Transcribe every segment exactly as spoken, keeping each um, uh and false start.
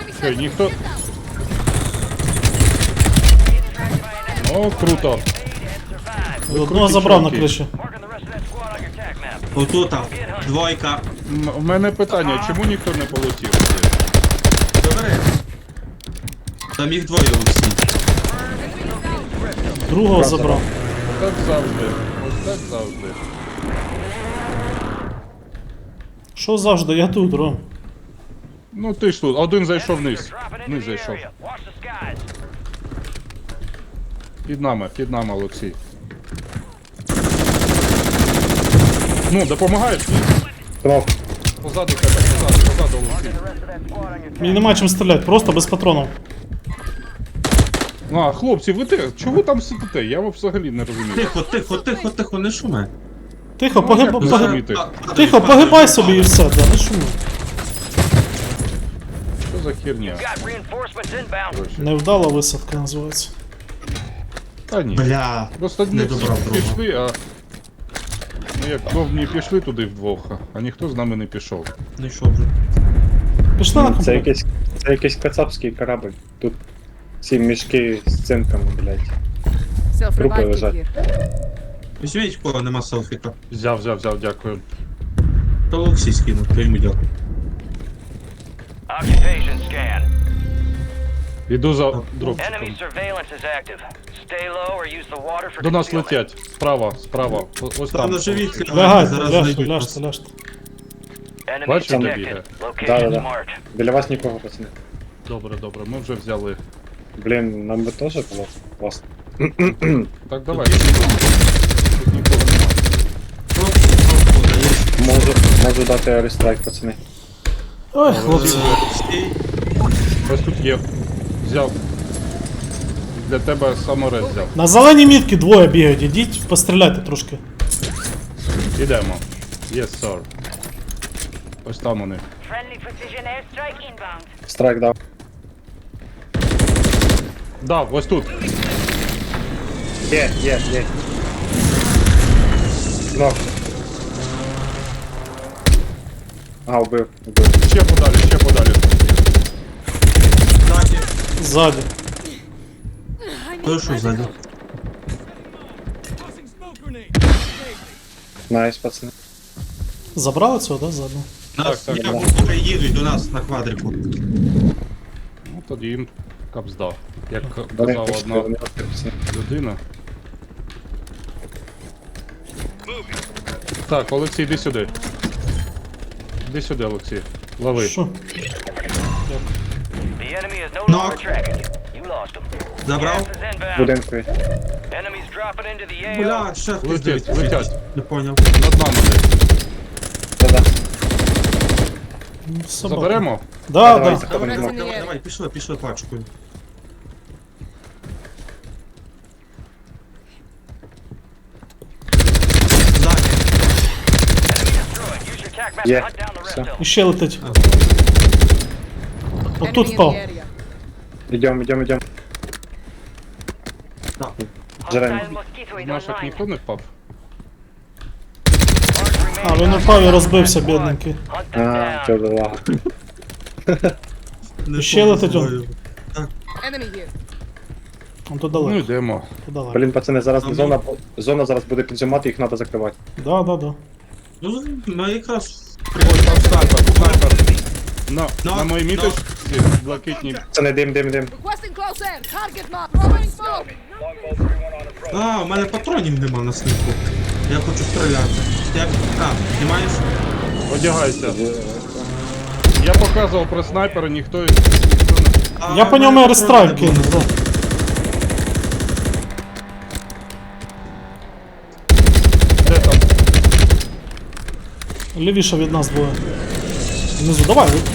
Що, ніхто... О, круто. Одного забрав на криші. Отут там, двойка. М- У мене питання, чому ніхто не полетів? Добре. Там їх двоє усі. Другого забрав. Так завжди. Ось так завжди. Що завжди, я тут, Ром. Ну ти ж тут, один зайшов вниз. Вниз зайшов. Під нами, під нами, Олексій. Ну, допомагаєш? Кров. Позаду тебе, позаду, позаду, Олексій. Мені нема чим стріляти, просто без патронів. Ну, а, хлопці, ви те, чого там сидите? Я взагалі не розумію. Тихо, тихо, тихо, тихо, не шуми. Тихо, Ну, погиб... як погиб... розуміти? Тихо, погибай собі і все, да, не шуми. Що за херня? Короче. Невдала висадка називається. Та ні. Бля. Просто Не не всі добрав друга. пішли, а... Ну як довгі пішли туди вдвох, а ніхто з нами не пішов. Ну що вже? Пішли на Це комплект. якийсь, це якийсь кацапський корабль. Тут ці мішки з цинками, блядь. Трупи Self-revive лежать. kit here. Візьміть, в кого нема селфіка. Взяв, взяв, взяв, дякую. То Олексій скинув, то йому дякую. Occupation scan. Іду за Enemy дропчиком. surveillance is active. Stay low or use the water for До нас concealment. летять. Справа, справа. О- Ось Там там. на живіт Лягайте, лягайте, зараз ляжте, знайдуть ляжте, нас. ляжте. Enemy Бачиш, де detected. бігає? Location Да-да-да. is marked. Біля вас нікого, пацани. Добре, добре, ми вже взяли. Блін, нам би теж було класно. Так, давай. Тут нікого немає. Просто, просто даєш. Можу, можу дати аерострайк, пацани. Ой, хлопці. Стій. Ось тут є. Взяв. Для тебе саморез взяв. На зеленій мітки двоє бігають, ідіть, постріляйте трошки. Ідемо. Yes, sir. Ось там вони. Friendly precision airstrike inbound. Страйк дав. Да, ось тут. Є, є, є. Нок. А, убив, убив. Ще подалі, ще подалі. Ззаді. Ззаді. То що ззаді? Найс, пацани. Забрали цього, да, ззаду? Нас так, я да. поки їдуть до нас на квадрику. Ну тоді їм капзда. Як Вони казала пішли, одна вони пішли, пацани. людина. Так, Олексій, іди сюди. Іди сюди, Олексій. Лови. Що? The enemy is no Knock. longer tracking you. You lost them. Забрав? Gas is inbound. Будинкові. Enemies dropping into the A O. Бля, ще хтось Летять, дивиться. летять. Не поняв. Над нами десь. Да-да. Ну, собака. Заберемо? Да, Давай, да. заходимо. Давай. Давай, давай, пішли, пішли пачкою. Ззаді. Destroyed. Use your tac map to Yeah. hunt down the rest Все. of them. І ще летить. Enemy Отут in впав. the area. Ідем, ідем, ідем. Так. Джерем. Hostile mosquito is Наших online. ніхто не впав? Mark А, remaining він упав і розбився, бідненький. Hunt them А, down. чого лага. Не Ще летить он. знаю. Enemy here. Он то Ну далеко. йдемо. То далеко. Блін, пацани, зараз А ми- зона, зона зараз буде піджимати, їх треба закривати. Да, да, да. Ну, ми якраз... Ось там снайпер, снайпер. На, Ну, на моїй ну. міточці блакитні. Пацани, дим, дим, дим. Requesting close air. Target mark. Throwing smoke. А, у мене патронів нема на снайпу. Я хочу стріляти. Як? А, знімаєш? Одягайся. Я показував про снайпера, ніхто ніхто не... А, Я по у мене ньому патронів аерстрайк не було. кинув, да. Де там? Лівіше від нас двоє. Внизу, давай. ви-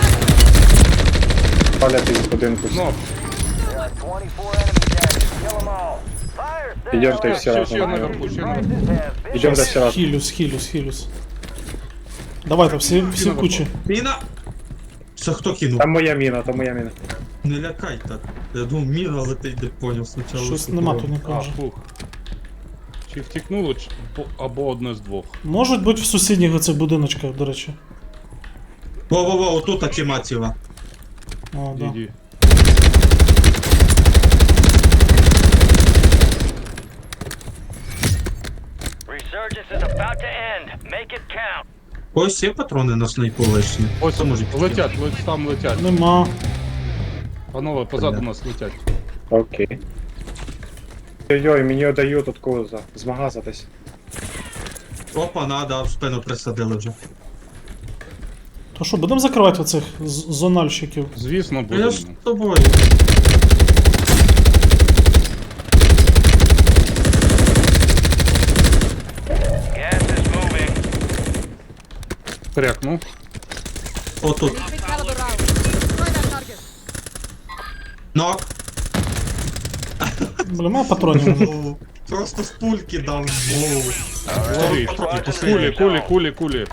Палять із будинку. Ну, There are twenty-four enemies active. Kill them all. Fire sale. Ідем, ти всі ще, ще разом. наверху, ще наверху. Prices have been Ідем до всі разом. Хілюс, хілюс, хілюс. Давайте, всі, всі в кучі. Міна! Це хто кинув? Там моя міна, там моя міна. Не лякай так. Я думав, міна летить, не поняв спочатку. Щось що нема було. тут А, нікого. вже. фух. Чи втікнуло, чи... по- або одне з двох. Можуть бути в сусідніх оцих будиночках, до речі. Во-во-во, отут тіма ціла. О, да. Іди. Resurgence is about to end. Make it count. Ось є патрони на снайпу лишні. Ось Хто може підкинути? летять, ось там летять. Нема. Панове, позаду Бля. нас летять. Окей. Ой-ой, мені дають тут коза. З магаза десь. Опа, надо, в спину присадили вже. То що, будемо закривати оцих з- зональщиків? Звісно, Я будемо. ж з тобою. Gas is moving. Крякнув. Отут. Big caliber round. Destroy that target. Нок. Бля, має патронів. О, Просто з пульки дав в голову. Кулі, кулі, кулі, кулі, кулі.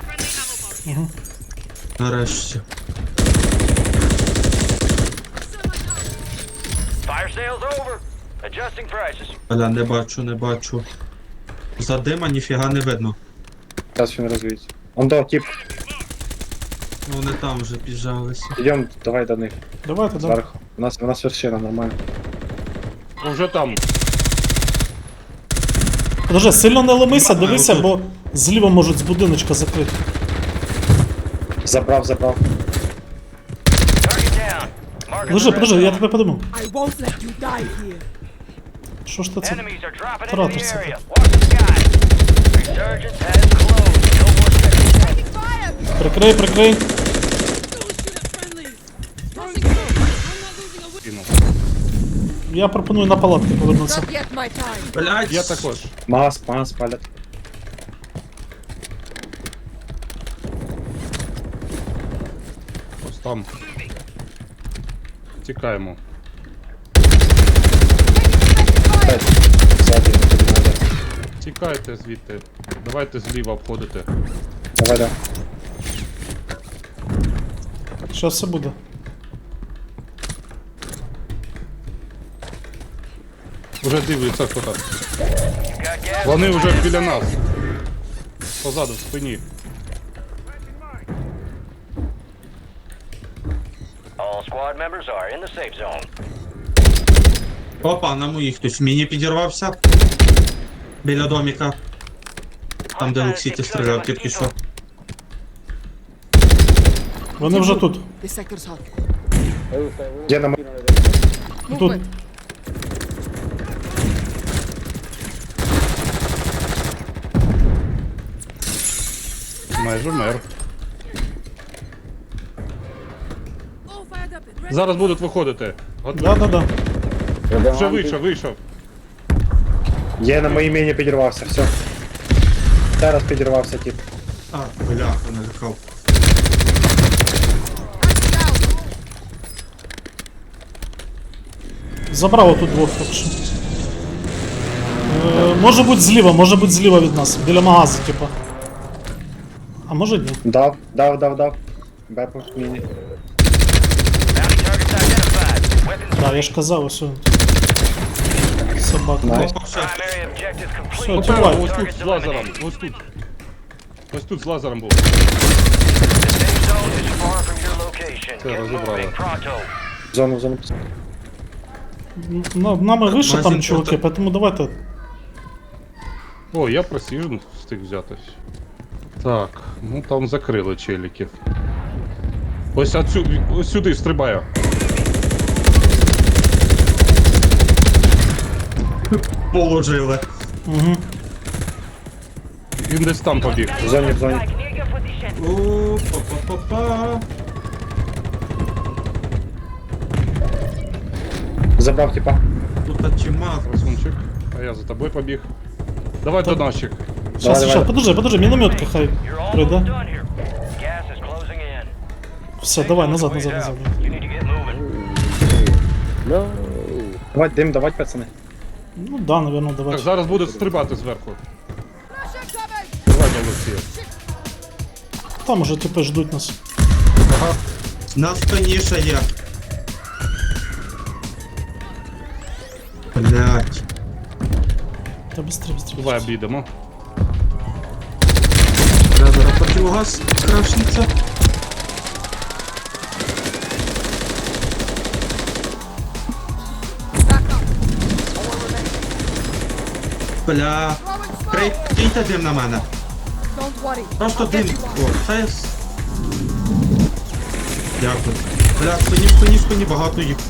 Нарешті. Fire sale's over. Adjusting prices. Бля, не бачу, не бачу. За дима ніфіга не видно. Зараз він розвіється. Он до, тип. Ну, вони там вже піджалися. Йдем, давай до них. Давайте, да. Зверху. У нас, у нас вершина нормально. Уже там. Подожди, сильно не ломися, Давай, дивися, отут. бо зліва можуть з будиночка закрити. Забрав, забрав. Target down. Marking Подожди, the подожди, red я zone. тебе подумав. I won't let you die here. Що ж ти це? Enemies are dropping into Тратишся the area. тут. Watch the sky. Resurgence has closed. No more seconds. Taking fire! Прикрий, прикрий. Кинув. Я пропоную на палатки повернутися. Not yet my time. Блять, Я також. Магаз, магаз палять. Ось там. Тікаємо. П'ять. Ззаді, не тобі надо. Тікайте звідти. Давайте зліва обходити. Давай, да. Щас все буде. Уже дивляться хто там. Got gas. Вони вже біля нас. Позаду, в спині. All squad members are in the safe zone. Опа, на моїх хтось в міні підірвався. Біля доміка. Там, де Олексій ти стріляв тільки що. Вони вже тут. This sector's hot. Де на м- Тут. Movement. Майже мер. All fired up. Ready. Зараз будуть виходити. Готові. Да, да, да. Вже вийшов, вийшов. Є на моїй міні підірвався, все. Зараз підірвався, тип. А, бляха, налякав. Down. Забрав отут двох так що. Е, може бути зліва, може бути зліва від нас. Біля магазу, типа. А може ні. Дав, дав, дав, дав. Бепу міні. Bounty targets identified. Weapons Так, я ж казав, ось. он. Собака. Найс. Опа, ще. primary objective complete. Все, Попереду, тікай. ось тут з лазером. Ось тут. Ось тут з лазером був. The safe zone is far from your location. Все, Get розібрали. moving pronto. Зону, зону. На, нами вище там Магазин чуваки, просто. поэтому давайте. О, я просіжн встиг взятись. Так, ну там закрили челіків. Ось отсю... ось сюди стрибаю. Положили. Угу. Він десь там побіг. В зоні, в зоні. Strike near your position. О, па-па-па-па. Забрав, типа. Тут чимаз. Красунчик. А я за тобою побіг. Давай до наших. Щас, Давай, щас, давай. подожди, подожди, мінометка хай You're almost прийде. done here. Gas is closing in. Все, давай, назад, Ways назад, out. назад. You need to get moving. Давай, дим, давай, пацани. Ну да, наверное, Так, давай. зараз буде стрибати зверху. Russian coming! Давай до Олексія. Там уже типи ждуть нас. Ага. На спині ще є. Блять. Та быстрее, быстрее. Давай обійдемо. Бля, зараз противогаз крашнеться. Бля. Крей, киньте дим на мене. Don't worry. Просто I'll get дим. you О, off. це... с- Дякую. Бля, спині, спині, спині, багато їх.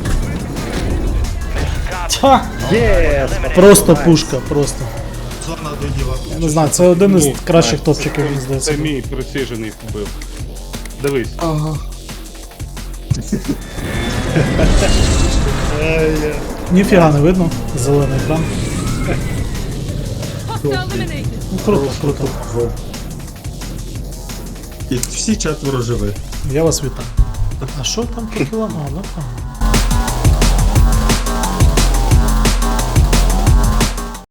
Ха! Єс! Просто пушка, просто. Зона доїла. Я не знаю, це один із Ну, кращих топчиків, мені здається. Це мій присіжений вбив. Дивись. Ніфіга не видно. Зелений екран. Hostile eliminated. Ну круто, круто. І всі четверо живі. Я вас вітаю. А що там по кілам? А, ну там.